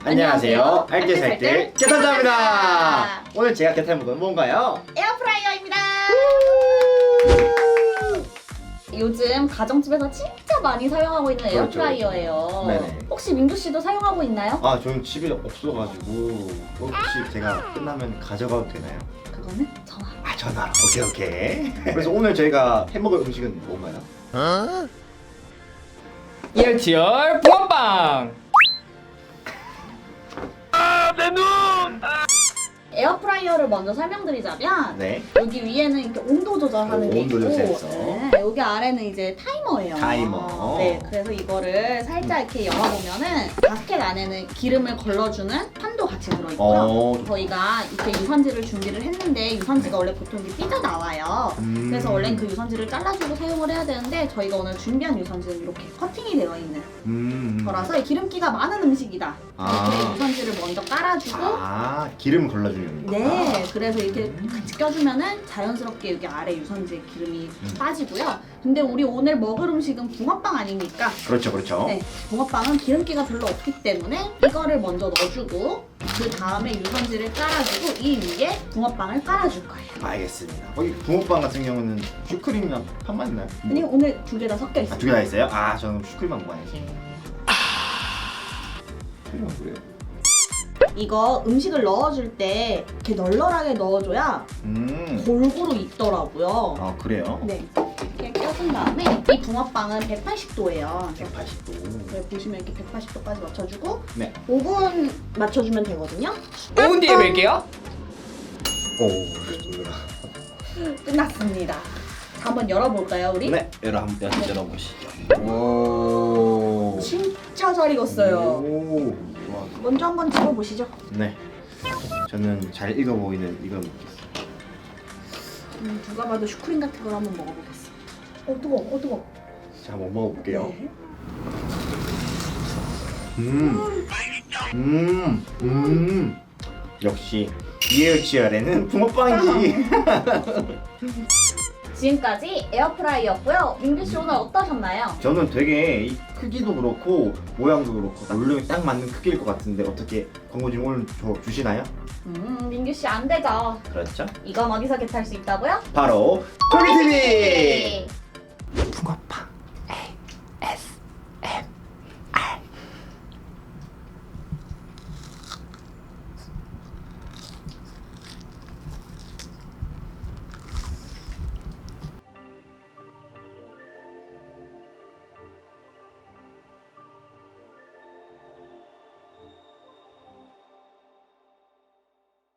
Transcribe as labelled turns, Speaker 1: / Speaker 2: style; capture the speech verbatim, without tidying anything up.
Speaker 1: 안녕하세요. 알뜰살뜰 개탄자입니다. 오늘 제가 개탄 건 뭔가요?
Speaker 2: 에어프라이어입니다. 요즘 가정집에서 진짜 많이 사용하고 있는
Speaker 1: 그렇죠.
Speaker 2: 에어프라이어예요.
Speaker 1: 네네.
Speaker 2: 혹시 민규 씨도 사용하고 있나요?
Speaker 1: 아, 저는 집에 없어가지고 혹시 제가 끝나면 가져가도 되나요?
Speaker 2: 그거는 전화.
Speaker 1: 아, 전화로. 오케이 오케이. 그래서 오늘 저희가 해먹을 음식은 뭔가요?
Speaker 3: 이열치열 붕어빵.
Speaker 2: 에어프라이어를 먼저 설명드리자면
Speaker 1: 네.
Speaker 2: 여기 위에는 이렇게 온도 조절하는
Speaker 1: 오,
Speaker 2: 게
Speaker 1: 온도
Speaker 2: 있고
Speaker 1: 조절 센서.
Speaker 2: 네, 여기 아래는 이제 타이머예요.
Speaker 1: 타이머.
Speaker 2: 네, 그래서 이거를 살짝 이렇게 열어보면은 바스켓 안에는 기름을 걸러주는 판도 같이 들어있고요.
Speaker 1: 어.
Speaker 2: 저희가 이렇게 유선지를 준비를 했는데 유선지가 원래 보통 이렇게 삐져 나와요.
Speaker 1: 음.
Speaker 2: 그래서 원래는 그 유선지를 잘라주고 사용을 해야 되는데 저희가 오늘 준비한 유선지는 이렇게 커팅이 되어 있는
Speaker 1: 음.
Speaker 2: 거라서 기름기가 많은 음식이다.
Speaker 1: 아.
Speaker 2: 이렇게 유선지를 먼저 깔아주고
Speaker 1: 아, 기름 걸러주는 거.
Speaker 2: 네, 그래서 이렇게 같이 껴주면은 자연스럽게 여기 아래 유선지에 기름이
Speaker 1: 음.
Speaker 2: 빠지고요. 근데 우리 오늘 먹을 음식은 붕어빵 아닙니까?
Speaker 1: 그렇죠, 그렇죠.
Speaker 2: 네, 붕어빵은 기름기가 별로 없기 때문에 이거를 먼저 넣어주고 그 다음에 유선지를 깔아주고 이 위에 붕어빵을 깔아줄 거예요.
Speaker 1: 알겠습니다. 거기 붕어빵 같은 경우는 슈크림이랑 판만 있나요?
Speaker 2: 아니 오늘 두 개 다 섞여
Speaker 1: 아,
Speaker 2: 있어요.
Speaker 1: 두 개 다 있어요? 아, 저는 슈크림만 먹어야지. 슈크림은 뭐예요?
Speaker 2: 이거 음식을 넣어줄 때 이렇게 널널하게 넣어줘야
Speaker 1: 음.
Speaker 2: 골고루 익더라고요.
Speaker 1: 아, 그래요?
Speaker 2: 네, 이렇게 껴준 다음에 이 붕어빵은 백팔십 도예요.
Speaker 1: 백팔십 도.
Speaker 2: 네, 보시면 이렇게 백팔십 도까지 맞춰주고
Speaker 1: 네.
Speaker 2: 오 분 맞춰주면 되거든요.
Speaker 3: 오 분 뒤에 뵐게요.
Speaker 1: 오, 좋습니다.
Speaker 2: 끝났습니다. 자, 한번 열어볼까요, 우리?
Speaker 1: 네, 열어 한번 열어보시죠. 오.
Speaker 2: 진짜 잘 익었어요.
Speaker 1: 오. 와.
Speaker 2: 먼저 한번 집어보시죠.
Speaker 1: 네. 저는 잘 익어 보이는 이걸 먹겠습니다.
Speaker 2: 음, 누가 봐도 슈크림 같은 걸 한번 먹어보겠습니다. 어, 뜨거워, 어, 뜨거워.
Speaker 1: 자, 한번 먹어볼게요.
Speaker 2: 네.
Speaker 1: 음. 음. 음. 역시 이에어치열에는 붕어빵이지.
Speaker 2: 지금까지 에어프라이어였고요. 민규 씨 오늘 어떠셨나요?
Speaker 1: 저는 되게 이 크기도 그렇고 모양도 그렇고 물량이 딱 맞는 크기일 것 같은데 어떻게 광고주님 오늘 저 주시나요?
Speaker 2: 음, 민규 씨 안 되죠.
Speaker 1: 그렇죠.
Speaker 2: 이건 어디서 겟할 수 있다고요?
Speaker 1: 바로 토미티비 붕어빵.